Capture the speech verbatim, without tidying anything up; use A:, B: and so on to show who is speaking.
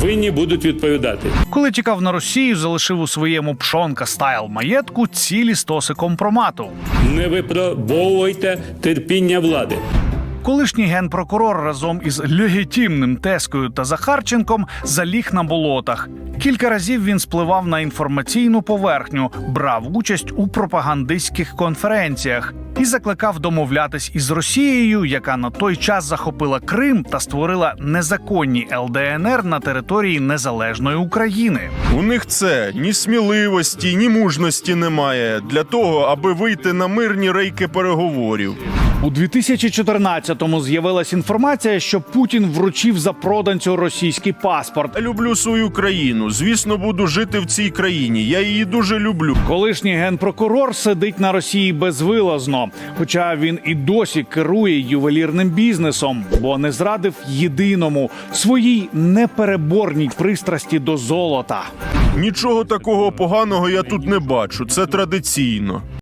A: винні будуть відповідати.
B: Коли тікав на Росію, залишив у своєму пшонка-стайл маєтку цілі стоси компромату.
A: Не випробовуйте терпіння влади.
B: Колишній генпрокурор разом із легітимним Тескою та Захарченком заліг на болотах. Кілька разів він спливав на інформаційну поверхню, брав участь у пропагандистських конференціях і закликав домовлятись із Росією, яка на той час захопила Крим та створила незаконні ел де ен ер на території незалежної України.
C: У них це ні сміливості, ні мужності немає для того, аби вийти на мирні рейки переговорів.
B: У дві тисячі чотирнадцятому з'явилась інформація, що Путін вручив запроданцю російський паспорт.
C: Я люблю свою країну. Звісно, буду жити в цій країні. Я її дуже люблю.
B: Колишній генпрокурор сидить на Росії безвилазно, хоча він і досі керує ювелірним бізнесом, бо не зрадив єдиному – своїй непереборній пристрасті до золота.
C: Нічого такого поганого я тут не бачу. Це традиційно.